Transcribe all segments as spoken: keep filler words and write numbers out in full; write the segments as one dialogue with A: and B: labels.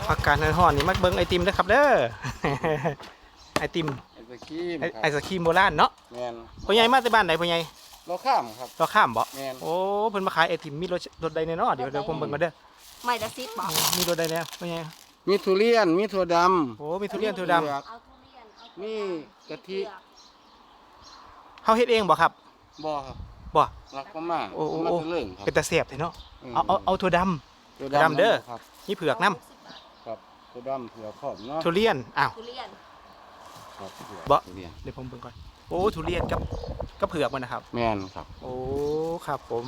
A: อากาศร้อนๆนี่มักเบิ่งไอติมเด้อครับเด้อ ไอติม
B: ไอศครีม
A: ไอไอศครีมโบราณเนาะ
B: แมน
A: พ่อใหญ่มาแต่บ้านไหนพ่อใหญ่
B: เราข้ามครับ
A: เราข้ามบ่
B: แมน
A: โอ้เพิ่นมาขายไอติมมีรถรถใดแน่เนาะเดี๋ยวเดี๋ยวผมเบิ่งกันเด้อ
C: ไม่ละสิบบอก
A: มีรถใดแน่พ่อใหญ่
B: มีทุเรียนมีถั่วด
A: โอ้มีทุเรียนทุดำ
B: เผือก
C: เอาทุเรียนเอา
B: นี่กะทิ
A: เฮาเฮ็ดเองบ่ครับ
B: ำบ่ครับ
A: บ่
B: รักก็มาก
A: โอ้โอ้
B: มา
A: โอ้
B: ตะเลิงครับ
A: เป็นตาแซ่บแท้เนาะเอาเอาเอาถั่วดำ
B: ถั่ว
A: ดำเด้อ
B: ครับ
A: มีเผือกน้
B: ครับถั่วดำเผือกขอบเนาะ
A: ำทุเรียนอ้าว
C: ทุเรียน
B: ครับเผือก
A: บ่
B: ทุเรียน
A: เดี๋ยวผมเบิ่งก่อนโอ้ทุเรียนกับกับเผือกมันนะครับ
B: แมนครับ
A: โอ้ครับผม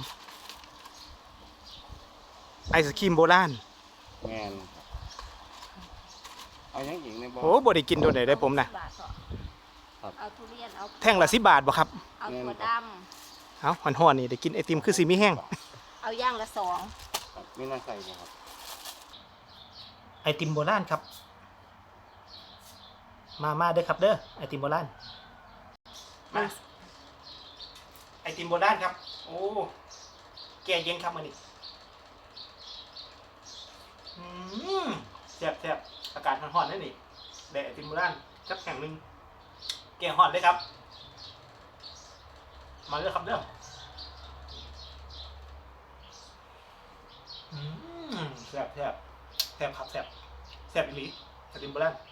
A: ไอศครีมโบราณ
B: แมนครับเอาอย่างอีกในบ่
A: โอ้บ่ได้กินโดนไหนได้ผมนะ
C: สิบบาทเหรอ
B: ครับ
C: เอาทุเรียนเอา
A: แท่งละสิบบาทบ่ครับ
C: เอาถั่วด
A: เอ้าห่อนๆนี่ได้กินไอติมคือสิมีแห้ง
C: ำเอาย่างละสอง
B: ครับมีน้ำใส่บ่ครับ
A: ไอติมโบราณครับ มามาเด้อครับเด้อไอติมโบราณมาไอติมโบราณครับ โอ้แก่เย็นครับมื้อนี้อืมแซ่บแซ่บอากาศร้อนๆนั่นนี่ได้ไอติมโบราณจักแห่งหนึงแก่ฮ้อนเลยครับ มาเด้อครับเด้ออืมแซ่บแซ่บแซ่บครับแซ่บแซ่บอีหลีไอติมโบราณ